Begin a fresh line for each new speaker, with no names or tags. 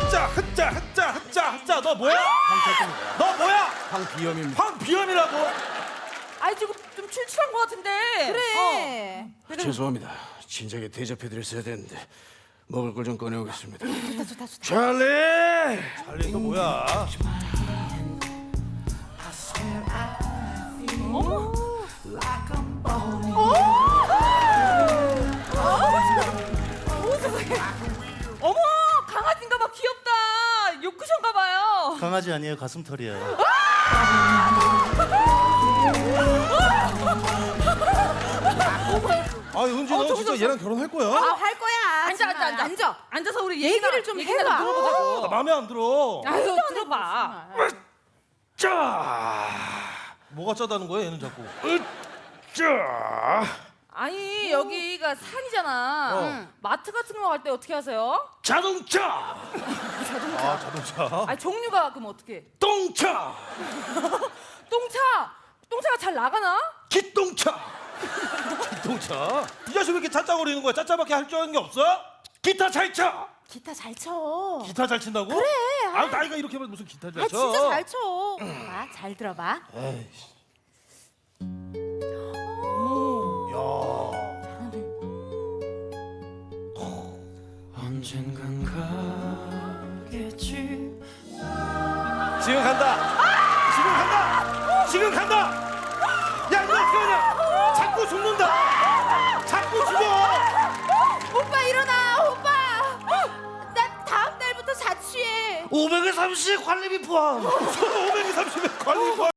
흑자 너 뭐야? 너 뭐야?
황비염입니다.
황비염이라고?
아이 지금 좀 출출한 것 같은데.
그래.
죄송합니다. 진작에 대접해드렸어야 되는데 먹을 걸 좀 꺼내오겠습니다.
좋다.
찰리!
찰리 너 뭐야?
어머 강아지인가 봐. 귀엽다. 요크션가 봐요.
강아지 아니에요, 가슴털이에요.
아 은지 너 진짜 얘랑 결혼할 거야?
할 거야.
앉아. 앉아서 우리
얘기를 좀
얘기나
해봐.
들어보자고.
나 마음에 안 들어.
아유 들어봐.
짜!
뭐가 짜다는 거야 얘는 자꾸.
짜!
아니 여기가 산이잖아. 마트 같은 거 갈 때 어떻게 하세요?
자동차!
아 자동차.
아니 종류가 그럼 어떻게?
똥차!
똥차가 잘 나가나?
기똥차!
자동차. 이 자식 왜 이렇게 짜짜거리는 거야? 짜짜밖에 할 줄 아는 게 없어?
기타 잘 차!
기타 잘 쳐.
기타 잘 친다고? 그래. 아 나이가 이렇게 하면 무슨 기타 잘 쳐?
진짜 잘 쳐. 봐, 잘 들어봐.
에이씨.
언젠간 가겠지.
지금 간다. 지금 간다. 야 이거 어떻게 하냐? 자꾸 죽는다. 자꾸 죽어.
오빠 일어나, 오빠. 나 다음 달부터 자취해.
530 관리비 포함.
530에 관리